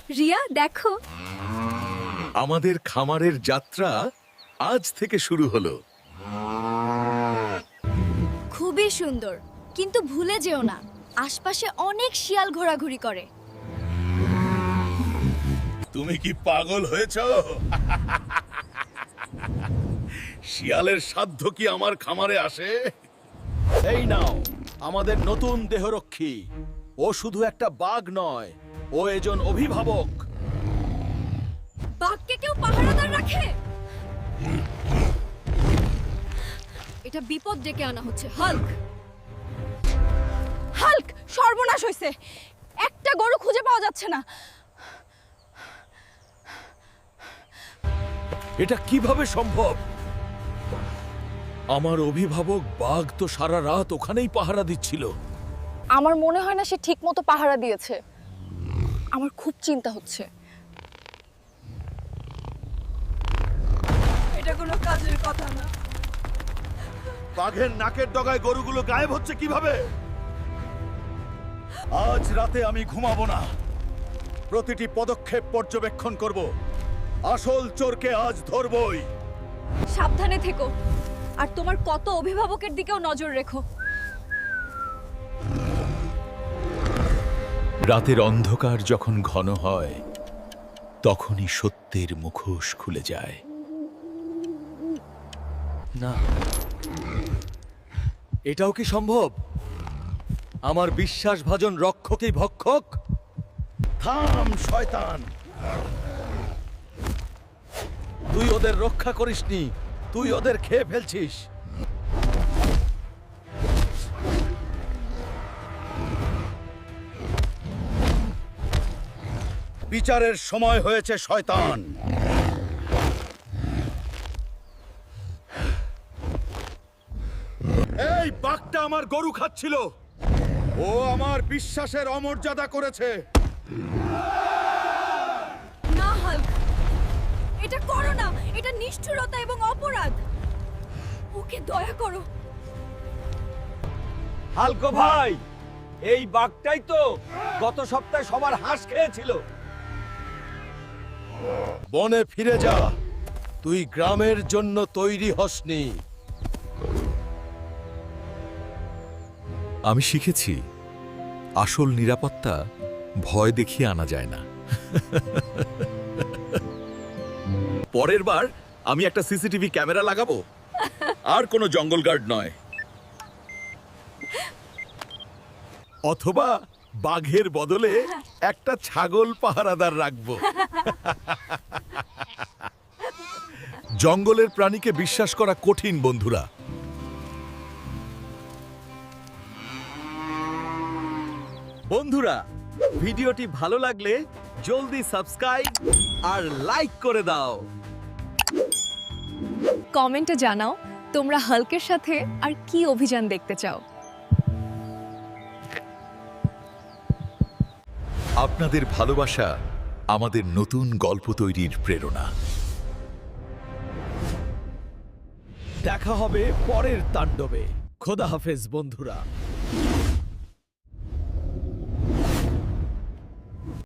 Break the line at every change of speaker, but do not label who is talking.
রিয়া দেখো,
আমাদের খামারের যাত্রা আজ থেকে শুরু হলো।
খুবই সুন্দর, কিন্তু ভুলে যেও না আশপাশে অনেক শিয়াল ঘোরাঘুরি করে।
তুমি কি পাগল হয়েছ? শিয়ালের সাধ্য কি আমার খামারে আসে?
এই নাও আমাদের নতুন দেহরক্ষী। ও শুধু একটা বাঘ নয়, ও একজন অভিভাবক।
বাঘকে কেউ পাহারাদার রাখে? এটা বিপদ ডেকে আনা হচ্ছে। হাল্ক, হাল্ক, সর্বনাশ হয়েছে। একটা গরু খুঁজে পাওয়া যাচ্ছে না।
এটা কিভাবে সম্ভব? আমার অভিভাবক বাঘ তো সারা রাত ওখানেই পাহারা দিচ্ছিল।
আমার মনে হয় না সে ঠিকমতো পাহারা দিয়েছে। আমার খুব চিন্তা হচ্ছে। এটা কোনো কাজের কথা না।
বাঘের নাকের ডগায় গরুগুলো গায়েব হচ্ছে কিভাবে? আজ রাতে আমি ঘুমাবো না। প্রতিটি পদক্ষেপ পর্যবেক্ষণ করব। আসল চোরকে আজ ধরবই।
সাবধানে থেকো, আর তোমার কত অভিভাবকের দিকেও নজর রেখো।
রাতের অন্ধকার যখন ঘন হয়, তখনই সত্যের মুখোশ খুলে যায়।
না, এটাও কি সম্ভব? আমার বিশ্বাসভাজন রক্ষকই ভক্ষক? থাম শয়তান! তুই ওদের রক্ষা করিসনি, তুই ওদের খেয়ে ফেলছিস। বিচারের সময় হয়েছে শয়তান। এই বাঘটা আমার গরু খাচ্ছিল। ও আমার বিশ্বাসের অমর্যাদা করেছে।
না হাল্ক, এটা করো না। এটা নিষ্ঠুরতা এবং অপরাধ। ওকে দয়া করো।
হালকো ভাই, এই বাঘটাই তো গত সপ্তাহে সবার হাঁস খেয়েছিল। বনে ফিরে যা, তুই গ্রামের জন্য তৈরি হসনি।
আমি শিখেছি, আসল নিরাপত্তা ভয় দেখিয়ে আনা যায় না। পরের বার আমি একটা সিসিটিভি ক্যামেরা লাগাবো, আর কোনো জঙ্গল গার্ড নয়। অথবা বাঘের বদলে একটা ছাগল পাহারাদার রাখবো। জঙ্গলের প্রাণীকে বিশ্বাস করা কঠিন বন্ধুরা।
বন্ধুরা, ভিডিওটি ভালো লাগলে জলদি সাবস্ক্রাইব আর লাইক করে দাও।
কমেন্টে জানাও তোমরা হাল্কের সাথে আর কি অভিযান দেখতে চাও।
আপনাদের ভালোবাসা আমাদের নতুন গল্প তৈরির প্রেরণা।
দেখা হবে পরের তাণ্ডবে। খোদা হাফেজ বন্ধুরা।